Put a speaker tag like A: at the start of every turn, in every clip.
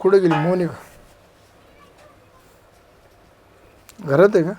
A: कुठे गेली मोनिका? घरात आहे का?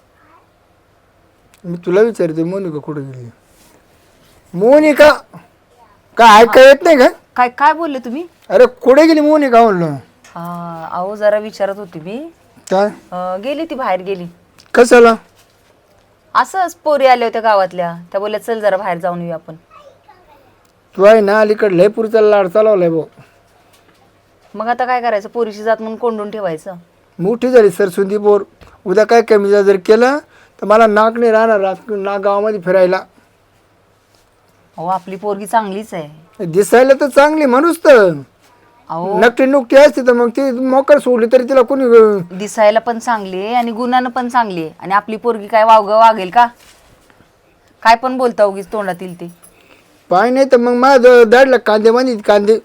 A: मी तुला विचारते मोनिका कुठे गेली? मोनिका काय ऐका येत नाही का?
B: काय काय बोलले तुम्ही?
A: अरे कुठे गेली मोनिका म्हणलं?
B: हा अहो जरा विचारत होती मी.
A: काय
B: गेली ती बाहेर गेली.
A: कशाला?
B: असंच पोरी आल्या होत्या गावातल्या, त्या बोलल्या चल जरा बाहेर जाऊन येऊ आपण.
A: तू आहे ना अलीकडे लय पुरीचा लाड चालवलाय भाऊ.
B: मग आता काय करायचं, पोरीशी जात म्हणून कोंडून ठेवायचं.
A: मोठी झाली सरस्वती बोर. उद्या काय कमी जर केलं तर मला नाक नाही राहणार ना गावामध्ये फिरायला.
B: अहो आपली पोरगी चांगलीच आहे.
A: दिसायला तर चांगली माणूस तर
B: अहो
A: नकटी नुकटी असते तर मग ती मोकर सोडली तरी तिला कोणी
B: दिसायला पण चांगली आहे आणि गुणानं पण चांगली आहे. आणि आपली पोरगी काय वागेल का? काय पण बोलता उगीच तोंडातील ते.
A: पाय नाही तर मग माझ्या दाडला कांदे बांधित कांदे.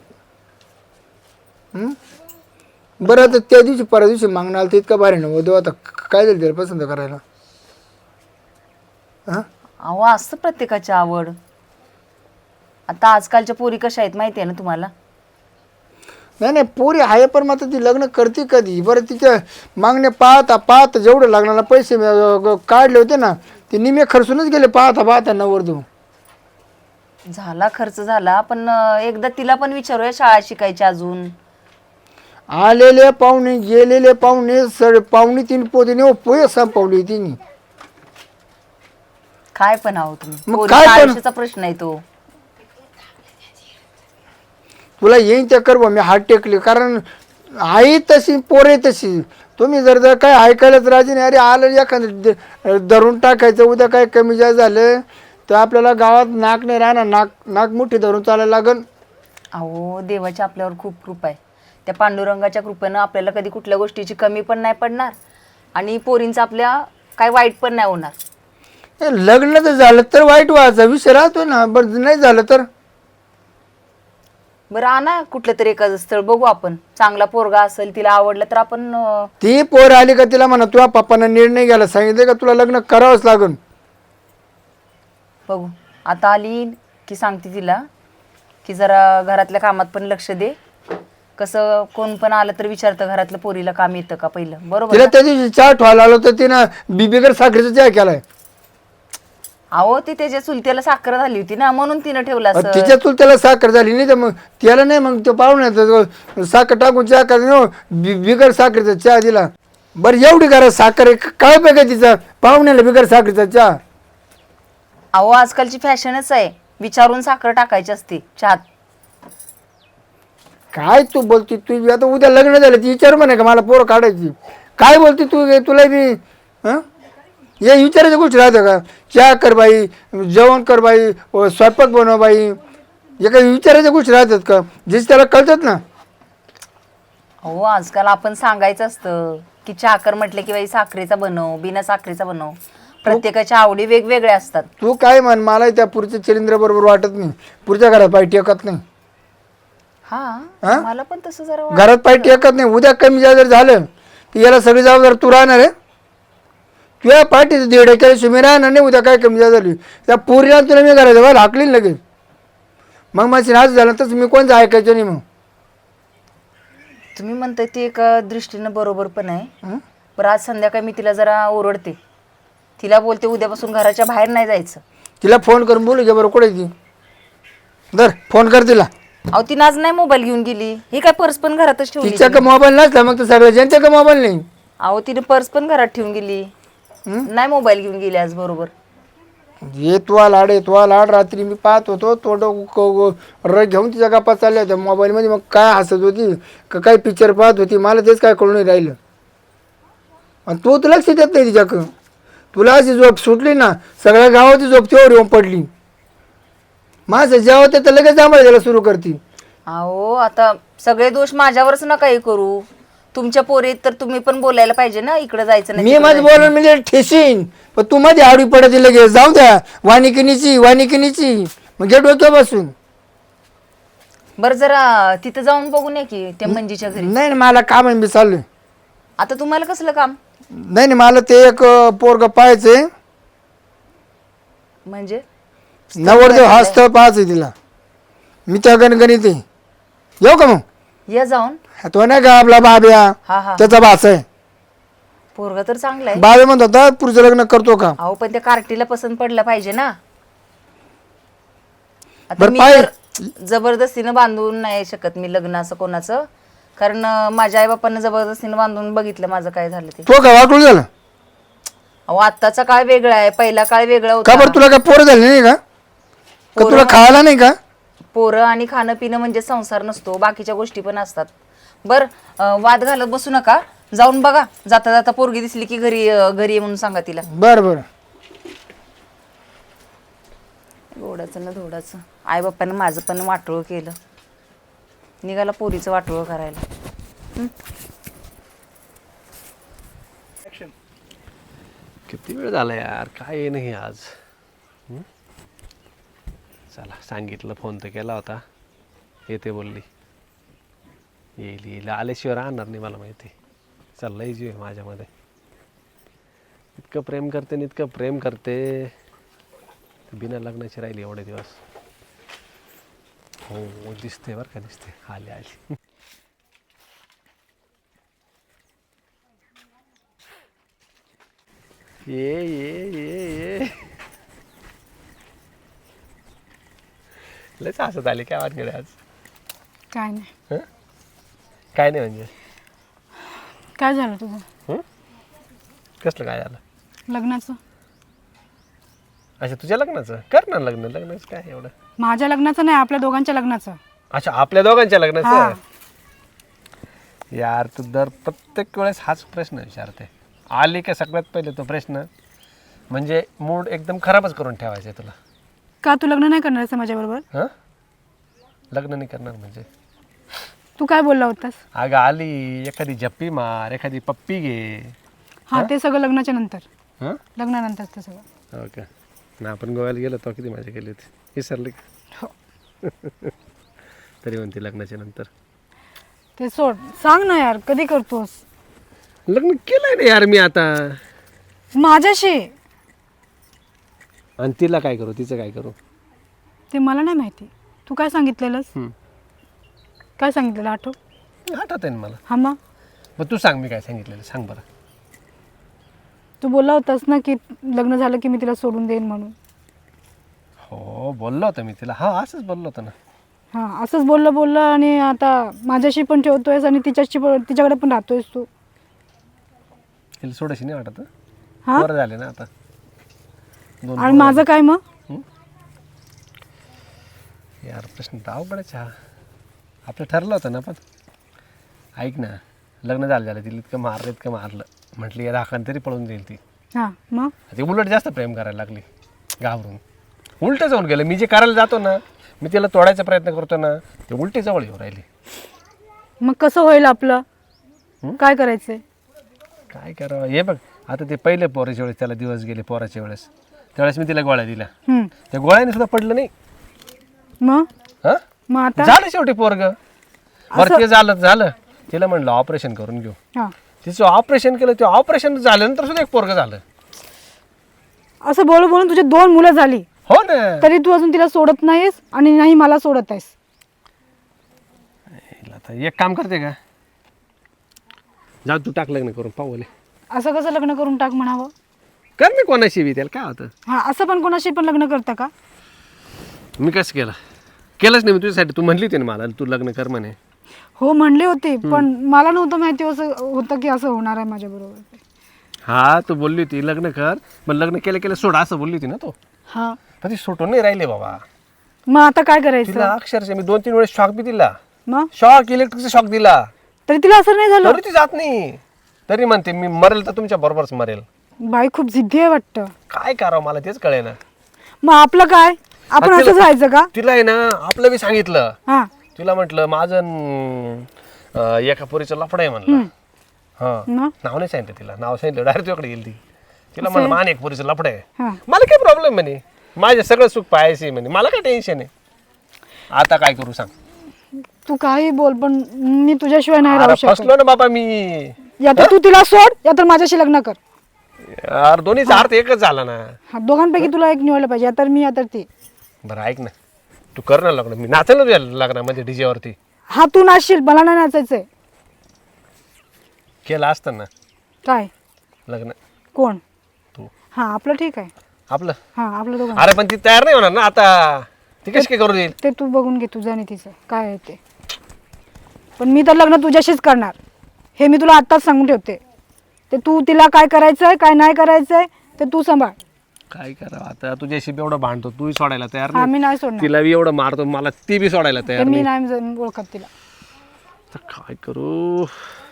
A: बरं आता त्या दिवशी परवा दिवशी मागणं आलं तर इतका भारी नव्हतं. आता काय झालं त्याला पसंत करायला? हां
B: अहो असतं प्रत्येकाची आवड. आता आजकालच्या पोरी कशा आहेत माहिती आहे ना तुम्हाला?
A: नाही नाही पोरी आहे पण मात्र ती लग्न करते कधी? बरं तिच्या मागणे पाहता पाहता जेवढं लग्नाला पैसे काढले होते ना ते निमे खर्चूनच गेले पाहता पाहता नवरदेव.
B: झाला खर्च झाला पण एकदा तिला पण विचारूया शाळा शिकायची अजून.
A: आलेले पाहुणे गेलेले पाहुणे पाहुणे 3 पोते पोहे संपवली तिने.
B: काय पण आहो तुम्ही,
A: मग
B: पोरीच्या
A: काय पण?
B: आयुष्याचा प्रश्न आहे तो.
A: तुला येईन त्या कर मी हात टेकले कारण आई तशी पोरे तशी. तुम्ही जर काय ऐकायलाच राजी नाही. अरे आलं एखादं धरून टाकायचं. उद्या काय कमी जास्त झालं तर आपल्याला गावात नाक नाही राहणार. नाक नाक मुठी धरून चालायला लागन.
B: अहो देवाची आपल्यावर खूप कृपा आहे. त्या पांडुरंगाच्या कृपेनं आपल्याला कधी कुठल्या गोष्टीची कमी पण नाही पडणार आणि पोरींचं आपल्या काय वाईट पण नाही होणार.
A: लग्न जर झालं तर वाईट व्हायचा विषय राहतो ना. बरं नाही झालं तर
B: बरं आणा कुठलं तरी एखादं स्थळ बघू आपण. चांगला पोरगा असेल तिला आवडलं तर आपण
A: ती पोर आली का तिला म्हणा तुझ्या पप्पांना निर्णय घ्यायला सांगितलं का तुला लग्न करावंच लागन.
B: बघू. आता आली की सांगते तिला की जरा घरातल्या कामात पण लक्ष दे. कसं कोण पण आलं तर विचारतं घरातलं पोरीला काम येतं का पहिलं. बरोबर
A: तिला
B: ना?
A: त्या दिवशी चहा ठेवायला आलो तर तिनं बिगर साखरेचा चहा केलाय.
B: अहो ती त्याच्या चुलत्याला साखर झाली होती ना म्हणून तिनं ठेवला असं.
A: तिच्या चूल त्याला साखर झाली नाही तर मग त्याला नाही मग तो पाहुण्याचा साखर टाकून चहा करा बिगर साखरेचा चहा दिला. बरं एवढी करा साखर आहे काय बघा तिचा पाहुण्याला बिगर साखरेचा चहा.
B: अहो आजकालची फॅशनच आहे विचारून साखर टाकायची असते चहात.
A: काय तू बोलती? तू आता उद्या लग्न झालं ती विचार म्हणे का मला पोरं काढायची? काय बोलती तू? तुला बी हां हे विचारायच्या गोष्टी राहतं का? चहा कर बाई, जेवण कर बाई, स्वयंपाक बनव बाई. हे काही विचारायच्या गोष्टी राहतात का? जेच त्याला कळतात ना.
B: अहो आजकाल आपण सांगायचं असतं की चहा कर म्हटलं की बाई साखरेचा बनव बिना साखरेचा बनव. प्रत्येकाच्या आवडी वेगवेगळ्या असतात.
A: तू काय म्हण मला त्या पुढच्या चिलिंद्र बरोबर वाटत नाही. पुढच्या घरात पाय टेकत नाही.
B: हा मला पण तसं जरा
A: घरात पाय टेकत नाही. उद्या कमी जर झालं तर याला सगळी जबाबदार तू राहणार आहे. तुझ्या पाठीचं दीड एकर मी राहणार नाही. उद्या काय कमी जास्त झाली त्या पोरीला तुला मी करायचं बरं हाकलीन लगेच. मग माझी नाच झालं तर मी कोणतं ऐकायचं नाही. मग
B: तुम्ही म्हणताय ते एका दृष्टीनं बरोबर पण आहे. पण आज संध्याकाळी मी तिला जरा ओरडते. तिला बोलते उद्यापासून घराच्या बाहेर नाही जायचं.
A: तिला फोन करून बोलू घे बरं कुठे ती दर फोन कर तिला.
B: अहो ती आज नाही मोबाईल घेऊन गेली. ही काय पर्स पण घरातच ठेवली.
A: तिच्या का मोबाईल नसला मग तर सगळं ज्यांच्या का मोबाईल नाही.
B: अहो तिने पर्स पण घरात ठेवून गेली. नाही मोबाईल घेऊन गेली आज बरोबर.
A: ये तुला लाड रात्री मी पाहत होतो तोंड र घेऊन तिच्या गप्पा चालल्या होत्या मोबाईलमध्ये. मग काय हसत होती का काय पिक्चर पाहत होती मला तेच काय कळून नाही राहिलं. आणि तू तर लक्ष देत नाही तिच्याकडं. तुला अशी झोप सुटली ना सगळ्या गावाची झोप तेवढ येऊन पडली. माझं जेव्हा ते तर लगेच आम्हाला द्यायला सुरू करते.
B: अहो आता सगळे दोष माझ्यावरच नका हे करू. तुमच्या पोरीत तर तुम्ही पण बोलायला पाहिजे ना इकडे जायचं नाही.
A: मी माझं बोलून म्हणजे ठेसीन पण तू मध्ये आडवी पडते लगेच. जाऊ द्या वानिकिनीची मग घे डोक्या बसून.
B: बरं जरा तिथं जाऊन बघून ये की त्या मंजीच्या घरी.
A: नाही मला काम आहे मी चाललोय.
B: आता तुम्हाला कसलं काम?
A: नाही मला ते एक पोरग पाहायचंय.
B: म्हणजे
A: नवरदेव हा स्थळ पाहायचंय तिला. मी त्या गणगणित येऊ का मग?
B: या जाऊन.
A: तो नाही का आपला बाब्या,
B: हा हा
A: त्याचा भाचा आहे.
B: पोरगा तर चांगला आहे.
A: बाबे म्हणत होता पुढचं लग्न करतो का.
B: अहो पण त्या कार्टीला पसंत पडलं पाहिजे ना. आता
A: बरं
B: मी
A: पाय
B: तर जबरदस्तीनं बांधून नाही शकत मी लग्न असं कोणाचं, कारण माझ्या आई बापांना जबरदस्तीनं बांधून बघितलं माझं काय झालं ते.
A: तो का वाटून झालं
B: अहो आत्ताचा काळ वेगळा आहे, पहिला काळ वेगळा
A: का
B: होता.
A: बरं, तुला काय पोरं झाली नाही का, का तुला खायला नाही का.
B: पोरं आणि खाणं पिणं म्हणजे संसार नसतो, बाकीच्या गोष्टी पण असतात. बर वाद घालत बसू नका, जाऊन बघा. जाता जाता पोरगी दिसली की घरी घरी ये म्हणून सांगा तिला.
A: बरं बरं.
B: गोडाचं ना धोडाचं, आई बाप्पानं माझं पण वाटोळं केलं, निघाला पोरीचं वाटोळं करायला.
C: किती वेळ झाला यार, काय नाही आज. चला सांगितलं, फोन तर केला होता, येते बोलली. येईल येईल, आल्याशिवाय राहणार नाही मला माहिती. चाललंय जीव आहे माझ्यामध्ये. इतकं प्रेम करते आणि इतकं प्रेम करते, बिना लग्नाची राहिली एवढे दिवस. हो दिसते बरं का, दिसते. आली आली. ये ये ये ये लयच हसत आली काय वाटकडे आज.
D: काय नाही.
C: हं? काय नाही म्हणजे
D: काय झालं तुझं
C: कसलं काय झालं.
D: लग्नाचं?
C: अच्छा तुझ्या लग्नाचं कर ना लग्न. लग्नाचं काय एवढं.
D: माझ्या लग्नाचं नाही, आपल्या दोघांच्या लग्नाचं.
C: अच्छा आपल्या दोघांच्या
D: हा.
C: लग्नाचं. यार तू दर प्रत्येक वेळेस हाच प्रश्न विचारते. आली का सगळ्यात पहिले तो प्रश्न म्हणजे मूड एकदम खराबच करून ठेवायचा आहे तुला.
D: का तू लग्न नाही करणार आहेस माझ्याबरोबर?
C: हां लग्न नाही करणार म्हणजे.
D: तू काय बोलला होतास?
C: अगं आली एखादी जप्पी मार, एखादी पप्पी घे.
D: हा ते सगळं लग्नाच्या नंतर,
C: हां
D: लग्नानंतर ते सगळं.
C: हो का. ना आपण गोव्याला गेलो तो किती मजा केली होती, विसरली का?
D: हो.
C: तरी म्हणते लग्नाच्या नंतर.
D: ते सोड, सांग ना यार कधी करतोस
C: लग्न केलंय ना यार मी आता.
D: माझ्याशी?
C: आणि तिला काय करू, तिचं काय करू
D: ते मला नाही माहिती. तू काय सांगितलेलंस?
C: हम्म.
D: काय सांगितलेलं आठव?
C: आठवत आहे ना मला.
D: हा
C: मग तू सांग मी काय सांगितलेलं, सांग बरं.
D: तू बोलला होतास ना की लग्न झालं की मी तिला सोडून देईन म्हणून.
C: हो बोललो होतं मी तिला. हा असंच बोललो होतं ना.
D: हां असंच बोललं आणि आता माझ्याशी पण ठेवतोयस आणि तिच्याकडे पण राहतोयस तू.
C: तिला सोडायची नाही वाटत.
D: हां
C: बरं झाले ना आता. दोन
D: आणि माझं काय मग?
C: यार प्रश्न तर अवघडच हा. आपलं ठरलं होतं ना पण. ऐक ना लग्न झालं तिला इतकं मारलं म्हटली या राखान तरी पळून जाईल ती.
D: हां मग
C: ती उलट जास्त प्रेम करायला लागली घाबरून. उलटं जाऊन गेलं. मी जे करायला जातो ना, मी तिला तोडायचा प्रयत्न करतो ना, ते उलटी जवळ येऊ राहिली.
D: मग कसं होईल आपलं? काय करायचंय?
C: काय करावं हे बघ. आता ते पहिले पोराच्या वेळेस त्याला दिवस गेले पोराच्या वेळेस, त्यावेळेस मी तिला गोळ्या दिल्या. त्या गोळ्याने सुद्धा पडलं नाही.
D: मग
C: हां
D: मग आता
C: झालं शेवटी पोरग. बरं ते झालं तिला म्हणलं ऑपरेशन करून घेऊ.
D: हां
C: तिचं ऑपरेशन केलं. ते ऑपरेशन झाल्यानंतर सुद्धा एक पोरग झालं.
D: असं बोलून तुझी 2 मुलं झाली,
C: हो ना.
D: तरी तू अजून तिला सोडत नाहीस आणि नाही मला सोडत आहेस.
C: आता एक काम करते का, जाऊ तू टाक लग्न करून पाहूले.
D: असं कसं लग्न करून टाक म्हणावं?
C: कर मी कोणाशी बी, त्याला काय होतं.
D: हां असं पण कोणाशी पण लग्न करतं का?
C: मी कसं केलंच नाही मी तुझ्यासाठी. तू म्हणली होती ना मला तू लग्न कर म्हणे.
D: हो म्हणले होते, पण मला नव्हतं माहिती असं होतं की असं होणार आहे माझ्याबरोबर.
C: हा तू बोलली होती लग्न कर, पण लग्न केलं सोड असं बोलली होती ना तू.
D: हां
C: पण ती सुटून नाही राहिले बाबा.
D: मग आता काय करायचं?
C: तिला अक्षरशः मी 2-3 वेळेस शॉक बी दिला.
D: मग
C: शॉक, इलेक्ट्रिकचा शॉक दिला,
D: तरी तिला असं नाही झालं.
C: तरी ती जात नाही. तरी म्हणते मी मरेल तर तुमच्या बरोबरच मरेल.
D: बाई खूप जिद्दी आहे वाटतं.
C: काय करावं मला तेच कळे ना.
D: मग आपलं काय? आपण असंच राहायचं का?
C: तिला आहे ना आपलं बी सांगितलं.
D: हां
C: तिला म्हटलं माझं एका पोरीचं लफडं आहे म्हणलं. हां
D: मग
C: नाव नाही सांगितलं तिला. नाव सांगितलं डायरेक्ट तुझ्याकडे गेली ती. तिला म्हणलं मान एक पोरीचं लफडं आहे.
D: हां
C: मला काय प्रॉब्लेम म्हणे, माझे सगळं सुख पाहायचे म्हणे, मला काय टेन्शन आहे. आता काय करू सांग.
D: तू काही बोल पण मी तुझ्याशिवाय नाही राहू
C: अरे
D: शकत.
C: फसलो ना बाबा मी.
D: या तर तू तिला सोड, या तर माझ्याशी लग्न कर.
C: यार दोन्हीचा अर्थ एकच झाला ना.
D: हा दोघांपैकी तुला एक निवडलं पाहिजे, या तर मी या तर ती.
C: बरं ऐक ना, तू कर ना लग्न. मी नाचेल ना तुझ्या लग्नामध्ये डीजे वरती.
D: हा तू नाचशील, मला नाही नाचायचंय.
C: केलं असतं ना
D: काय
C: लग्न
D: कोण?
C: तू.
D: हा आपलं ठीक आहे.
C: आपलं
D: हा आपलं दोघं.
C: अरे पण ती तयार नाही होणार ना आता. ती कशी काय करू देईल?
D: ते तू बघून घे तुझं आणि तिचं काय आहे ते. पण मी तर लग्न तुझ्याशीच करणार हे मी तुला आत्ताच सांगून ठेवते. ते तू तिला काय करायचंय काय नाही करायचंय ते तू सांभाळ.
C: काय करावं आता, तुझ्याशी बी एवढं भांडतो, तूही सोडायला तयार
D: हा मी
C: नाही.
D: नाही सोडणार.
C: तिला बी एवढं मारतो, मला ती बी सोडायला
D: ते
C: तयार
D: मी
C: नाही.
D: नाही ओळखत तिला.
C: तर काय करू?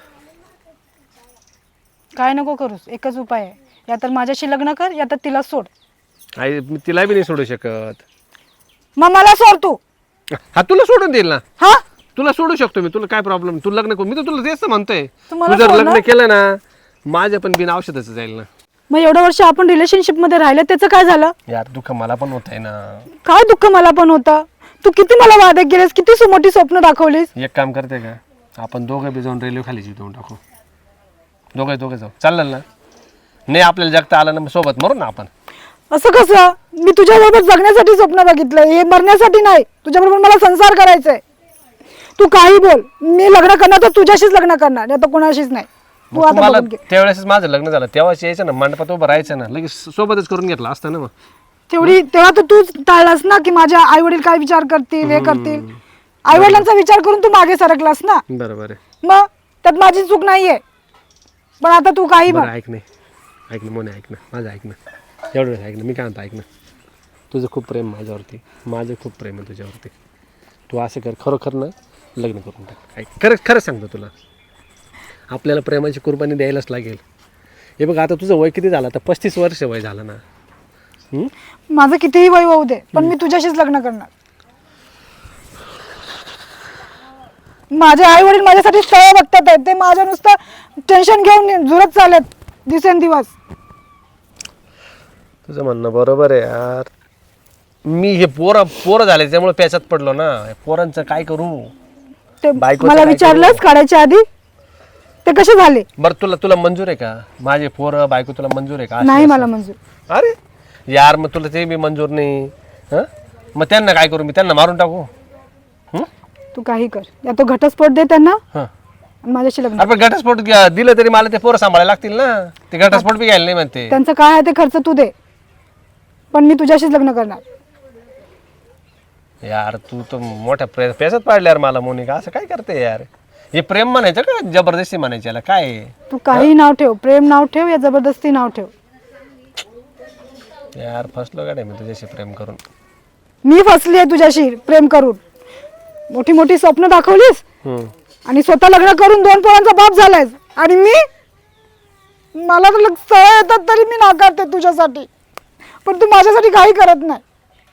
D: काय नको करूस, एकच उपाय आहे. या तर माझ्याशी लग्न कर या तर तिला सोड.
C: आई मी तिला बी नाही सोडू शकत.
D: मग मला सोड तू.
C: हा तुला सोडून देईल ना.
D: हा
C: तुला सोडू शकतो मी. तुला काय प्रॉब्लेम? तू लग्न करू, मी तर तुला तेच तर म्हणतोय.
D: तू मला
C: तू जर
D: सोड
C: लग्न
D: ना.
C: केलं ना, माझ्या पण बिन औषधाचं जाईल ना.
D: मग एवढं वर्ष आपण रिलेशनशिप मध्ये राहिलं त्याचं काय झालं?
C: यार दुःख मला पण होत आहे ना.
D: काय दुःख मला पण होतं. तू किती मला वादे केलेस, किती मोठी स्वप्न दाखवलीस.
C: एक काम करते का, आपण दोघं बी जाऊन रेल्वे खाली देऊन टाकू. दोघे जाऊ, चालेल ना? नाही आपल्याला जगता आलं ना, मग सोबत मरू ना आपण.
D: असं कसं? मी तुझ्याबरोबर जगण्यासाठी स्वप्न बघितलं, हे मरण्यासाठी नाही. तुझ्याबरोबर मला संसार करायचा आहे. तू काही बोल, मी लग्न करणार तर तुझ्याशीच लग्न करणार, नाही तर कोणाशीच नाही. तू
C: मग
D: आता
C: तुम्हाला
D: बघून घे.
C: त्यावेळेस माझं लग्न झालं तेव्हाच यायचं ना, मंडपात उभं राहायचं ना, लगेच सोबतच करून घेतलं असतं ना. मग
D: तेव्हा तर तूच टाळलास ना की माझ्या आई वडील काय विचार करतील, हे करतील. आई वडिलांचा विचार करून तू मागे सरकलास ना.
C: बरोबर आहे.
D: मग त्यात माझी चूक नाहीये. पण आता तू काही
C: बरं
D: म्हण.
C: ऐक ना मोने, ऐक ना माझं, ऐक ना एवढं ऐक ना. मी काय म्हणतो, ऐक ना. तुझं खूप प्रेम माझ्यावरती, माझं खूप प्रेम आहे तुझ्यावरती. तू असं कर, खरोखर ना लग्न करून टाक. ऐक, खरं सांगतो तुला, आपल्याला प्रेमाची कुर्बानी द्यायलाच लागेल. हे बघ आता तुझं वय किती झालं? आता 35 वर्ष वय झालं ना.
D: माझं कितीही वय होऊ दे, पण मी तुझ्याशीच लग्न करणार. माझे आई वडील माझ्यासाठी स्थळ बघतात आहेत. ते माझ्या नुसतं टेन्शन घेऊन झुरत चालत दिवसेंदिवस.
C: तुझं म्हणणं बरोबर आहे यार. मी हे पोरं झाले त्यामुळे प्याच्यात पडलो ना. पोरांचं काय करू?
D: ते
C: बायकोचं
D: मला
C: काय
D: विचारलंस काढायच्या आधी ते कसे झाले?
C: बरं तुला मंजूर आहे का माझे पोरं बायको? तुला मंजूर आहे का?
D: नाही मला मंजूर.
C: अरे यार मग तुला ते बी मंजूर नाही. हं? मग त्यांना काय करू? मी त्यांना मारून टाकू?
D: तू काही कर, या तो घटस्फोट दे त्यांना
C: हं.
D: आणि माझ्याशी लग्न.
C: अरे पण घटस्फोट दिलं तरी मला ते पोरं सांभाळायला लागतील ना. ते घटस्फोट बी घ्यायला नाही म्हणते.
D: त्यांचं काय आहे ते खर्च तू दे, पण मी तुझ्याशीच लग्न करणार.
C: यार तू तर मोठ्या पेशात पाडले यार मला मोनिका. असं काय करते यार? हे प्रेम म्हणायचं का जबरदस्ती म्हणायची? याला काय आहे?
D: तू काही नाव ठेव, प्रेम नाव ठेव या जबरदस्ती नाव ठेव.
C: यार फसलो गाड्या मी तुझ्याशी प्रेम करून.
D: मी फसली आहे तुझ्याशी प्रेम करून. मोठी मोठी स्वप्न दाखवलीस आणि स्वतः लग्न करून 2 पोरांचा बाप झालायस. आणि मला तर सवय येतात तरी मी नाकारते तुझ्यासाठी, पण तू माझ्यासाठी काही करत नाही.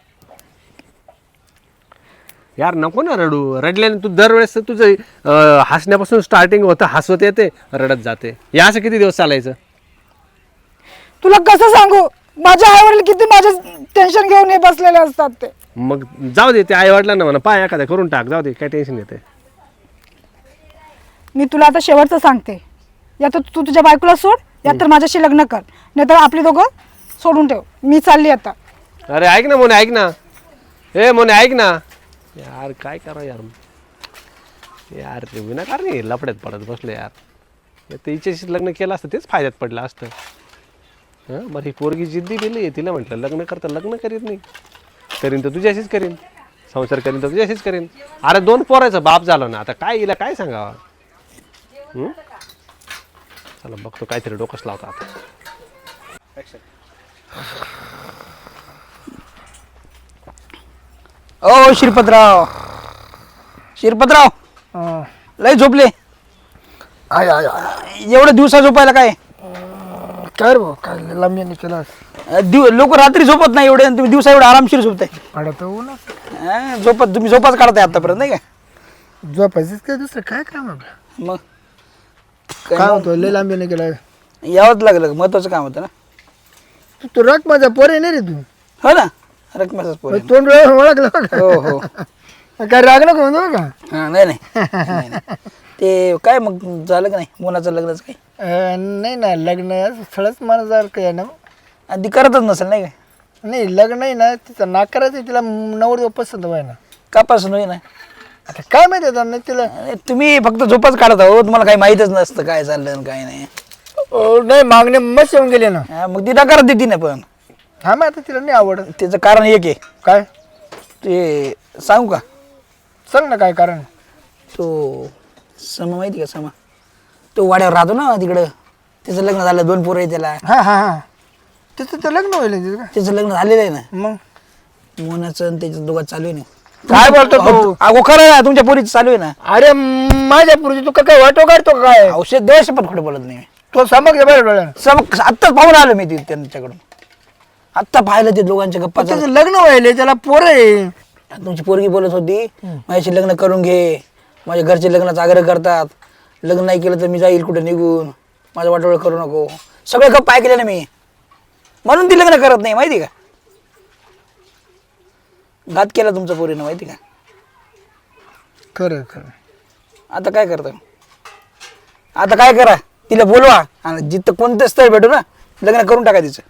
C: यार नको ना रडू. रडल्याने तू दरवेळेस तुझं हसण्यापासून स्टार्टिंग होतं, हसवत येते रडत जाते. या असं किती दिवस चालायचं?
D: तुला कसं सांगू, माझे आई वडील किती माझे टेन्शन घेऊन हे बसलेले असतात. ते
C: मग जाऊ दे, ते आई वडिलांना म्हणा पाय एखाद्या करून टाक, जाऊ दे, काय टेन्शन येते.
D: मी तुला आता शेवटचं सांगते, या तर तू तुझ्या बायकोला सोड या तर माझ्याशी लग्न कर, नाहीतर आपली दोघं सोडून ठेव. मी चालली आता.
C: अरे ऐक ना मोने, ऐक ना. मोने ऐक ना. यार काय करा यार. यार विनाकारण लफड्यात पडत बसलो यार. तिच्याशी लग्न केलं असतं तेच फायद्यात पडलं असतं. बरं ही पोरगी जिद्दी दिली, तिला म्हटलं लग्न करता, लग्न करीत नाही. करीन तर तुझ्याशीच करीन, संसार करीन तर तुझ्याशीच करीन. अरे 2 पोराचा बाप झालो ना, आता काय हिला काय सांगावा? चला बघतो काहीतरी डोकंच लावतो आता.
E: ओ शिरपतराव, लय झोपले एवढं दिवसा झोपायला काय?
A: काय रे भाऊ, काय लांबी केला
E: लोक रात्री झोपत नाही एवढे, तुम्ही दिवसा एवढं आरामशीर झोपताय.
A: पडत ना
E: तुम्ही झोपाच काढताय आतापर्यंत नाही का?
A: झोपायचंच काय दुसरं काय काम आहे?
E: मग
A: काय होतं लय लांबी नाही केला?
E: यावंच लागलं, महत्वाचं काम होतं ना.
A: तू रक माझा पोर आहे नाही रे तू.
E: हो ना, रकमेचाच पोर.
A: तोंड ओळखलं का?
E: हो हो.
A: काय राग नको म्हणतो का?
E: नाही ते काय मग झालं का नाही मुलाचं लग्नच काय?
A: नाही ना, लग्न स्थळच मला जर काय ना.
E: आणि ती करतच नसेल नाही काय?
A: नाही लग्न नाही ना, तिचं नाकारायचं, तिला नवरदेव पसंत व्हाय ना.
E: का पसंत होई ना?
A: आता काय माहिती आता नाही तिला.
E: अरे, तुम्ही फक्त झोपच काढत आहो, तुम्हाला काही माहीतच नसतं काय चाललं आणि काय नाही.
A: नाही मागणे मस्त येऊन गेले ना.
E: हा, मग ती नकार देते ना. पण
A: हा मग आता तिला नाही आवड.
E: त्याचं कारण एक आहे.
A: काय
E: ते सांगू का?
A: सांग ना काय कारण.
E: तो समा माहिती का? समा तो वाड्यावर राहतो ना तिकडं. त्याचं लग्न झालं, 2 पोरं आहे त्याला.
A: हा हा हा तिचं तर लग्न होईल तिचं का.
E: त्याचं लग्न झालेलं आहे ना.
A: मग
E: मोनाचं आणि त्याच्या दोघात चालू आहे ना.
A: काय बोलतो तू.
E: अगो खरं आहे, तुमच्या पोरीचं चालू आहे ना.
A: अरे माझ्या पुरुष तू काय वाटो काढतो का काय.
E: औषध देवाशी पण खोटं बोलत नाही.
A: तो समज बरं डोळ्यानं.
E: सब आत्ताच पाहून आलो मी त्यांच्याकडून. आत्ता पाहिलं ते दोघांच्या गप्पा चालू.
A: त्याचं लग्न व्हायले त्याला पोर आहे.
E: तुमची पोरगी बोलत होती माझ्याशी लग्न करून घे, माझ्या घरचे लग्नाचा आग्रह करतात, लग्न नाही केलं तर मी जाईल कुठे निघून, माझं वाटोळ करू नको. सगळे गप्पा ऐकले ना मी, म्हणून ती लग्न करत नाही. माहिती का? घात केला तुमच्या पोरीनं. माहिती का?
A: खरं खरं.
E: आता काय करता? आता काय करा, तिला बोलवा आणि जिथं कोणतं स्थळ भेटू ना लग्न करून टाका तिचं.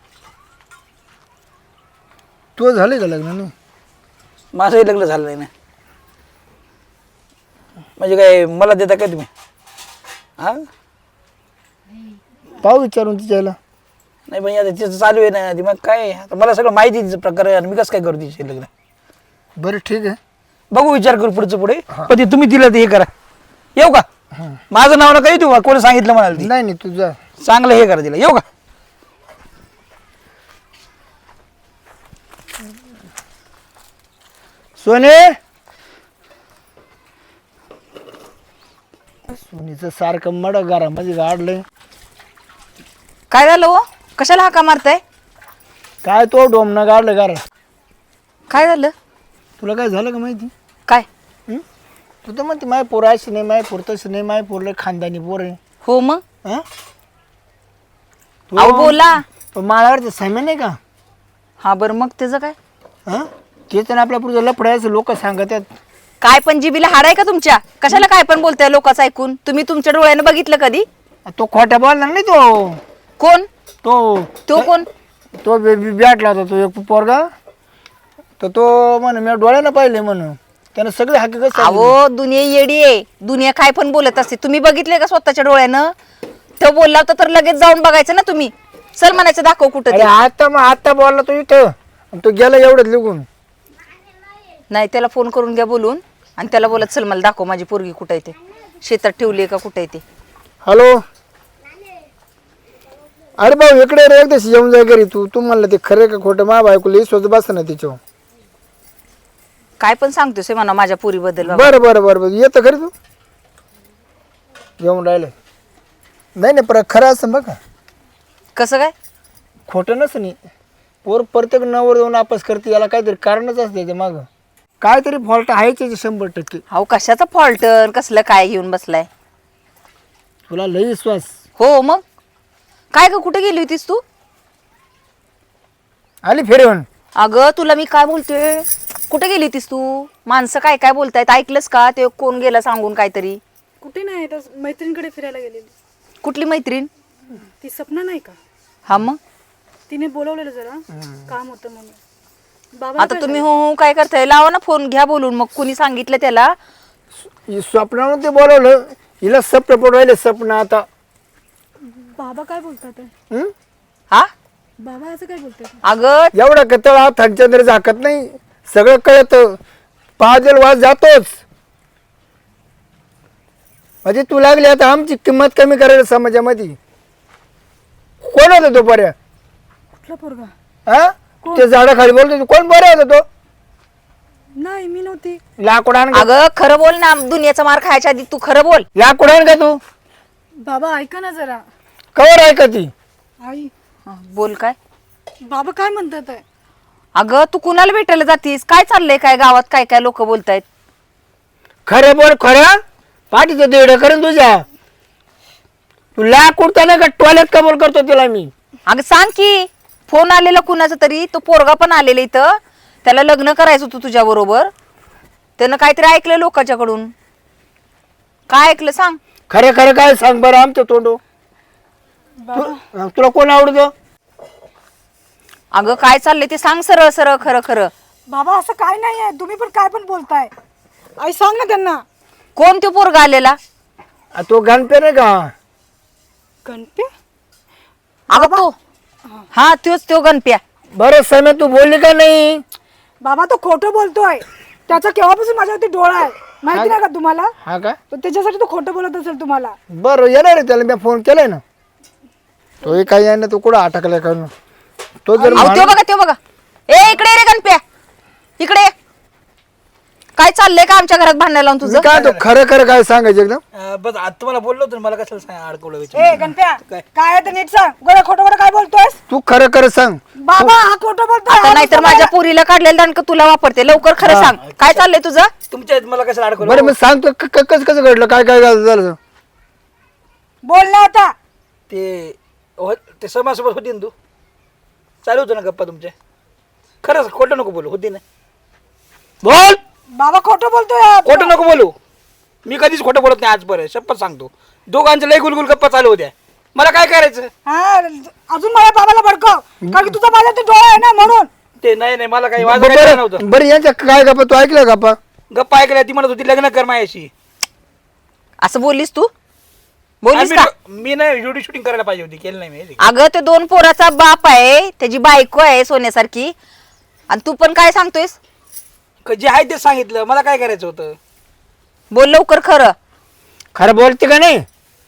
A: तू झाले का लग्न नाही.
E: माझंही लग्न झालं नाही ना. म्हणजे काय मला देता काय तुम्ही? हा
A: पाहू विचारून तिच्याला.
E: नाही पण आता तिचं चालू आहे ना. ती मग काय आता मला सगळं माहिती आहे तिचं प्रकार आहे, आणि मी कसं काय करू तिचे लग्न.
A: बरं ठीक आहे.
E: बघू, विचार करू पुढचं पुढे. पण ते तुम्ही तिला ते हे करा. येऊ का? माझं नाव नका येऊ. कोणी सांगितलं म्हणाल ती.
A: नाही नाही तू जा.
E: चांगलं हे करा तिला. येऊ का?
A: सोने सोनीचं सारखं मड घरामध्ये गाडलंय.
B: काय झालं हो? कशाला हाका मारताय?
A: काय तो डोमनं गाडलं गार.
B: काय झालं?
A: तुला काय झालं का माहिती.
B: काय?
A: तू तर म्हणते माय पोर अशी नाही, माय पोर तशी नाही, माय पोरले खानदानी पोर आहे.
B: हो मग
A: हं?
B: अहो बोला.
A: तो माळावरचं सामान नाही का.
B: हा बरं मग त्याचं काय?
A: हं तेच ना आपल्या पुढचं लफडायचं लोक सांगत आहेत.
B: काय पण जिबीला हाड आहे का तुमच्या? कशाला काय पण बोलताय लोकांचं ऐकून? तुम्ही तुमच्या डोळ्यानं बघितलं कधी?
A: तो खोट्या बोलला नाही तो.
B: कोण?
A: तो
B: तो कोण?
A: तो बॅटला होता तो एक पोरगा. तर तो म्हण मी डोळ्यानं पाहिले म्हणून त्यानं सगळे हकीकत सांगितली.
B: अहो दुनिया येडी आहे. दुनिया काय पण बोलत असते. तुम्ही बघितले का स्वतःच्या डोळ्यानं? तो बोलला होता तर लगेच जाऊन बघायचं ना तुम्ही. चल म्हणायचं दाखव कुठं
A: अरे
B: ते.
A: आता बोलला तो इथं आणि तो गेला एवढंच लिहून.
B: नाही त्याला फोन करून घ्या बोलून आणि त्याला बोलत चल मला दाखव माझी पोरगी कुठं आहे ते. शेतात ठेवली का कुठं आहे ते.
A: हॅलो. अरे भाऊ इकडे रे एकदा येऊन जाय घरी. तू म्हणलं ते खरं का खोटं मा बायकोला स्वतः बस ना तिच्यावर.
B: काय पण सांगतोस हे म्हणा माझ्या पोरीबद्दल.
A: बरं बरं बरं बरं येतं खरी तू येऊन राहिलं. नाही नाही पर खरं असं बघा.
B: कसं काय?
A: खोटं नसं नाही. पोर प्रत्येक नवर जाऊन वापस करते याला काहीतरी कारणच असते ते मागं. काहीतरी फॉल्ट आहेच याचे 100%.
B: अहो कशाचा फॉल्ट कसलं काय घेऊन बसलाय?
A: तुला लई विश्वास.
B: हो मग काय ग कुठे गेली होतीस तू?
A: आली फेरेवन.
B: अगं तुला मी काय बोलते, कुठे गेली होतीस तू? माणसं काय काय बोलतायत ऐकलंस का? ते कोण गेला सांगून काहीतरी.
D: कुठे नाही, तर मैत्रिणीकडे फिरायला गेलेली.
B: कुठली मैत्रीण?
D: ती सपना नाही का,
B: हा मग
D: तिने बोलवलेलं जरा काम होतं म्हणून. बाबा
B: आता तुम्ही हो हो काय करताय? लावा ना फोन, घ्या बोलून. मग कुणी सांगितलं त्याला?
A: स्वप्नावर ते बोलवलं. हिला सपन पडवायला सपन आता.
D: बाबा काय बोलतात?
A: हं?
B: हा
D: बाबा असं काय बोलतात?
B: अगं
A: एवढा कतळ हा थंडचंद्र झाकत नाही. सगळं कळत. पाजल वाज जातोच. म्हणजे तू लागली आता आमची किंमत कमी करायला समाजामध्ये. कोण होता तो पर्या?
D: कुठला पोरगा?
A: हा ते झाडाखाली बोलतो कोण बरं होता तो?
D: नाही मी नव्हती.
A: लाकूड आण.
B: अगं खरं बोल ना. दुनियाचा मार खायच्या आधी तू खरं बोल.
A: लाकूड आण का तू?
D: बाबा ऐका ना जरा.
A: कवर आहे का ती?
D: आई
B: हा, बोल काय?
D: बाबा काय म्हणतात आहे?
B: अगं तू कुणाला भेटायला जातीस? काय चाललंय? काय गावात काय काय लोक बोलतायत?
A: खरं बोल. खरं पाठीचं देड करेन तुझ्या. तू लाकूड त्याला का टॉयलेट कबूल करतो तिला मी.
B: अगं सांग की. फोन आलेला कुणाचा तरी. तो पोरगा पण आलेला इथं. त्याला लग्न करायचं होतं तुझ्या बरोबर. त्यानं काहीतरी ऐकलं लोकांच्याकडून. काय ऐकलं सांग.
A: खरं खरं काय सांग बरं आमचं तोंडो. तुला कोण आवडतो?
B: अगं काय चाललंय ते सांग सरळ सरळ खरं खरं.
D: बाबा असं काय नाही आहे, तुम्ही पण काय पण बोलताय. आई सांग ना त्यांना.
B: कोण तो पोरगा आलेला?
A: तो गणपे नाही का?
D: गणप्या?
B: अगं तो हा तोच तो गणप्या.
A: बरं समय तू बोलली का नाही?
D: बाबा तो खोटं बोलतोय. त्याचा केव्हापासून माझ्यावरती डोळा आहे माहिती नाही का तुम्हाला?
A: हा का?
D: तर त्याच्यासाठी तो खोटं बोलत असेल तुम्हाला.
A: बरं येणार आहे त्याला, मी फोन केलाय ना. तोही काही आहे ना, तो कुठं अटकलाय का? तो जर
B: अहो तो बघा ए इकडे ये रे गणप्या, इकडे ये. काय चाललंय का आमच्या घरात भांडायला लावून तुझं?
A: काय तो खरं खरं काय सांगायचं एकदम?
E: बस आता तुम्हाला बोललो होतो ना, मला कशाला अडकवलं
D: ए गणप्या काय आहे ते नीट सांग. गोळ्या खोटं खोटं काय बोलतोयस?
A: तू खरं खरं सांग.
D: बाबा हा खोटं बोलतोय.
B: आता नाहीतर माझ्या पुरीला काढलेलं दांडकं तुला वापरते. लवकर खरं सांग, काय चाललंय तुझं?
E: तुमच्या मला कशाला अडकवलं?
A: बरं मी सांगतो कसं कसं घडलं, काय काय झालं.
D: बोल ना आता.
E: ते समाजसोबत होती ना तू, चालू होतं ना गप्पा तुमचे. खरंच खोटं नको बोलू, होती ना. बोल,
D: बाबा खोटं बोलतोय.
E: खोटं नको बोलू. मी कधीच खोटं बोलत नाही आजपर्यंत, शपथ सांगतो. दोघांच्या लय गुलगुल गप्पा चालू होत्या. मला काय करायचं?
D: हा अजून मला बाबाला भडकव कारण की तुझा माझ्यावरती डोळा आहे ना म्हणून.
E: ते नाही मला काही वाजत काय नव्हतं.
A: बरं यांच्या काय गप्पा तू ऐकलं गप्पा?
E: गप्पा ऐकल्या, ती म्हणत होती लग्न कर माझ्याशी.
B: असं बोललीस तू? बोललीस का?
E: मी नाही व्हिडिओ शूटिंग करायला पाहिजे होती, केलं नाही मी.
B: अगं ते 2 पोराचा बाप आहे, त्याची बायको आहे सोन्यासारखी, आणि तू पण काय सांगतोयस?
E: जे आहे ते सांगितलं, मला काय करायचं होतं?
B: बोल लवकर खरं.
A: खरं बोलते का नाही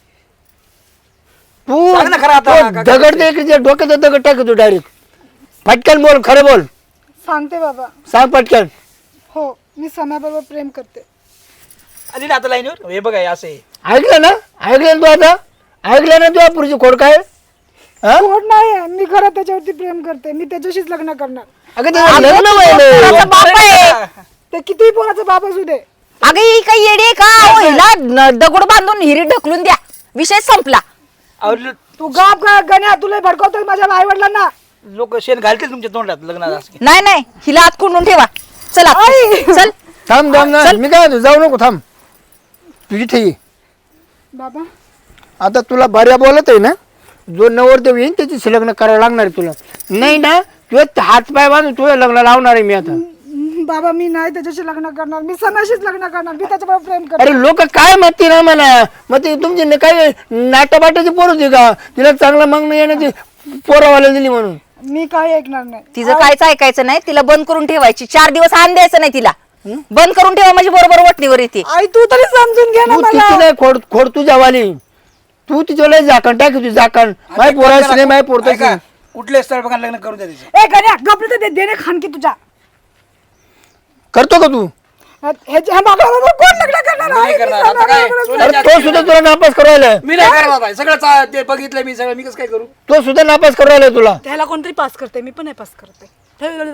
A: तू?
E: सांग ना खरं आता,
A: तो दगड दे इकडे, डोक्यात दगड टाकतो डायरेक्ट. पटकन बोल, खरं बोल.
D: सांगते बाबा.
A: सांग पटकन.
D: हो मी समाबरोबर प्रेम करते.
E: आली ना आता लाईनवर, हे बघा हे असं आहे.
A: ऐकलं ना? ऐकलं ना तू? आता ऐकलं ना तू? पुढची खोड काय?
D: खोट नाही आहे. मी खरं त्याच्यावरती प्रेम करते. मी त्याच्याशीच लग्न करणार.
A: अगं ते लग्न व्हायलंय.
B: पोराचा बाप आहे.
D: ते कितीही पोराचा बाप असू दे.
B: अगं ही काही येडी आहे का? अहो, हिला दगड बांधून हिरी ढकलून द्या, विषय संपला.
D: तू गाप का गण्या, तुला भडकवतोय माझ्या आई वडिलांना.
E: लोक शेण घालतील तुमच्या तोंडात लग्नात असं.
B: नाही हिला आत कोंडून ठेवा. चला चल.
A: थांब ना, मी काय म्हणतो, जाऊ नको, थांब. तुझी ठेवी
D: बाबा
A: आता तुला बऱ्या बोलत आहे ना, जो नवरदेव येईन त्याची लग्न करावं लागणार आहे तुला. नाही ना तुझे हात पाय बांधून तुझं लग्न लावणार आहे मी आता.
D: बाबा मी नाही त्याच्याशी लग्न करणार. मी समाशीच लग्न करणार. मी त्याच्याबरोबर प्रेम करणार.
A: अरे लोक काय म्हणते ना मला, मग ते तुमची काय नाटाबाटाची पोर होती का? तिला चांगलं मागणं येण्याची पोरावाला दिली म्हणून.
D: मी काही ऐकणार नाही.
B: तिचं कायच ऐकायचं नाही. तिला बंद करून ठेवायची. 4 दिवस आण द्यायचं नाही तिला. बंद करून ठेवा म्हणजे बरोबर वटणीवर येते.
D: आई तू तरी समजून घे ना
A: तू
D: मला.
A: तिची नाही खोड तुझ्या वाली. तू तिच्या झाकण टाक, तुझी झाकण माय पोरायचं नाही, माय पोरतायचं.
E: कुठले स्थळ बघा लग्न करून द्या तिचं.
D: ए गण्या गपले तर देणे खानकी तुझ्या.
A: करतो का तू?
D: ह्या बाबाबरोबर कोण लग्न करणार?
E: नाही
D: आई,
E: करणार.
D: मी
E: आता काय?
D: सोन्याबरोबर
A: अरे तो सुद्धा तुला नापास करू राहिलाय.
E: मी नाही करणार आहे. सगळं ते बघितलं मी, सगळं मी कसं काय करू?
A: तो सुद्धा नापास करू राहिलाय तुला.
D: त्याला कोणतरी पास करते. मी पण नाही पास करते.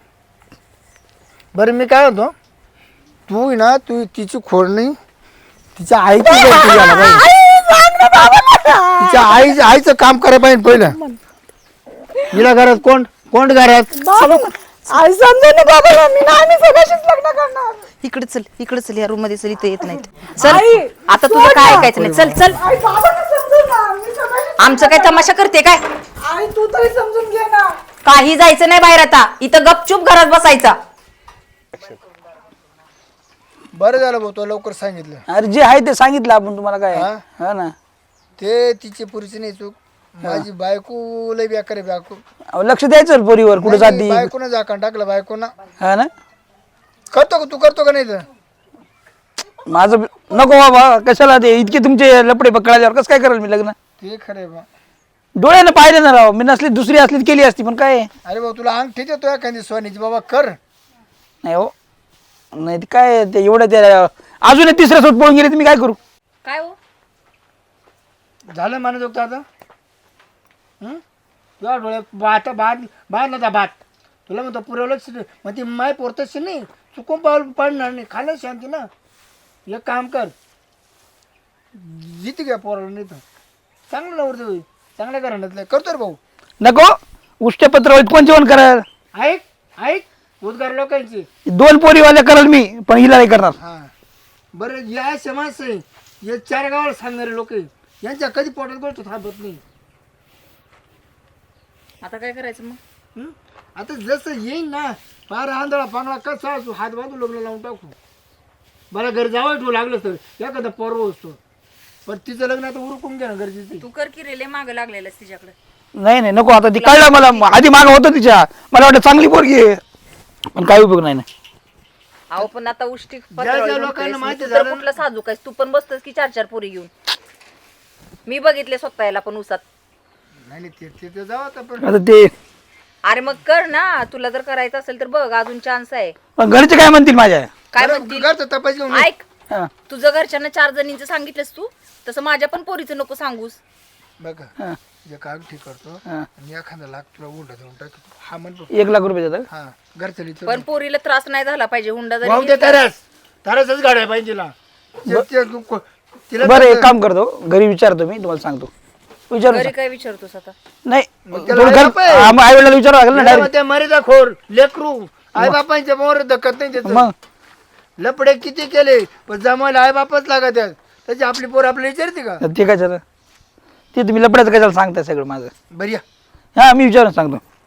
A: बरं मी काय होतो, तू ना तू तिची खोड नाही, तिच्या आईची गलती झाला पाहिजे. तिच्या आईचं काम करायला पाहिजे पहिलं. हिला घरात कोण घरात?
D: आई समजून ना बाबा, मी नाही, मी समाशीच लग्न करणार.
B: इकडे चल या रूम मध्ये चल. इथं येत नाहीत.
D: आई,
B: चल आता तुझं
D: सोड
B: काय
D: ना.
B: ऐकायचं नाही. चल चल.
D: आई बाबांना समजून ना, मी समाशीच.
B: आमचं काय तमाशा करते काय?
D: आई तू तरी समजून घे ना.
B: काही जायचं नाही बाहेर आता. इथं गपचूप घरात बसायचा.
A: बरं झालं भाऊ, तो लवकर सांगितलं.
E: अरे जे आहे ते सांगितलं आपण तुम्हाला काय.
A: हा?
E: हा ना.
A: ते तिची पुरीची नाही चूक, माझी बायको लय बेकार आहे. बायको
E: अहो, लक्ष द्यायचं पोरीवर, कुठे जाती.
A: बायकोनं झाकण टाकलं बायकोनं.
E: हा ना.
A: करतो का तू? करतो का नाही? तर
E: माझं नको बाबा, कशाला ते इतके तुमचे लपडे पकडायच्यावर कसं काय करेल मी लग्न?
A: ते खरंय बा.
E: डोळ्यानं पाहिलं ना राव. मी नसली दुसरी असली केली असती, पण काय
A: अरे भाऊ तुला अंगठी देतो एखादी सोन्याची, बाबा कर.
E: नाही हो. नाही ते काय ते एवढं ते अजून 3ऱ्या सोबत पळून गेले, तर मी काय करू?
B: काय हो?
A: झालं म्हणत होतं आता. तुझ्या डोळ्यात बात बात नव्हता बात. तुला म्हणतो पुरवलंच मग ती माय पोरतच नाही, चुकून पाडणार नाही. खाल्लं शांती ना. एक काम कर, जिथे घ्या पोराला नाही तर चांगलं नवरते होईल, चांगल्या घराण्यातलं करतो रे भाऊ.
E: नको उष्टपत्र होईल, कोण जेवण कराल?
A: ऐक उद्गार लोकांची.
E: 2 पोरीवाल्या कराल मी, पण हिला नाही करणार.
A: हा बरं, या समाज आहे हे 4 गावाला सांगणारे लोक यांच्या कधी पोटात गोष्ट थांबत नाही.
B: आता काय करायचं मग?
A: आता जसं येईन ना, फार आंधळा पांगळा कसा असू, हात बांधून लग्न लावून टाकू. मला घरी जावं ठेवू लागलं तर एखादा पर्व असतो पण तिचं लग्न आता उरकून घ्या गरजेचं आहे.
B: तू कर की रेले माग लागलेलंस तिच्याकडे.
E: नाही नाही नको आता ती कळलं मला आधी मागं होतं तिच्या मला वाटतं चांगली पोरगी आहे पण काही उपयोग नाही ना
B: अहो पण आता उष्टी
A: ज्या लोकांना माहिती झालं
B: कुठलं साजूक आहेस तू पण बसतोस की 4-4 पोरी घेऊन. मी बघितले स्वतः याला पण उसात.
A: नाही नाही, तिथं जावं आता पण
E: आता ते
B: अरे मग कर ना तुला जर करायचं असेल तर बघ अजून चान्स आहे.
E: पण घरचे काय म्हणतील माझ्या
B: काय
A: बरं,
B: म्हणतील
A: घरचं तपास घेऊन ये.
B: ऐक
E: हा,
B: तुझं घरच्यांना 4 जणींचं सांगितलंस तू तसं माझ्या पण पोरीचं नको सांगूस.
A: बघा
E: हा,
A: एक अंगठी करतो
E: हा.
A: आणि एखादा लाख तुला उंडा देऊन टाकतो हा म्हणतो
E: 1 लाख रुपये देतात
A: हा घरचं लिहितो
B: पण पोरीला त्रास नाही झाला पाहिजे हुंडा जरी
A: वाहून दे
B: घेतला-
A: तरच तरच गाड्या पाहिजे तिला तिला
E: बरं एक काम करतो घरी विचारतो मी तुम्हाला सांगतो विचारू
B: घरी काय विचारतोस आता.
E: नाही
A: त्याला
E: थोडं
A: आई
E: घर
A: बाप आहे.
E: आई वडिलांना विचारावं लागेल ना
A: तिला
E: डायरेक्ट
A: त्या मरीचा खोर लेकरू आई बापांच्या मोर दखत नाही त्याचं
E: मग
A: लपडे किती केले पण जमायला आई बापच लागत आहेत त्याची आपली पोर आपल्याला विचारते का
E: ते काय झालं ते तुम्ही लपड्याचं कशाला सांगताय सगळं माझं
A: बरी या.
E: हा मी विचारून सांगतो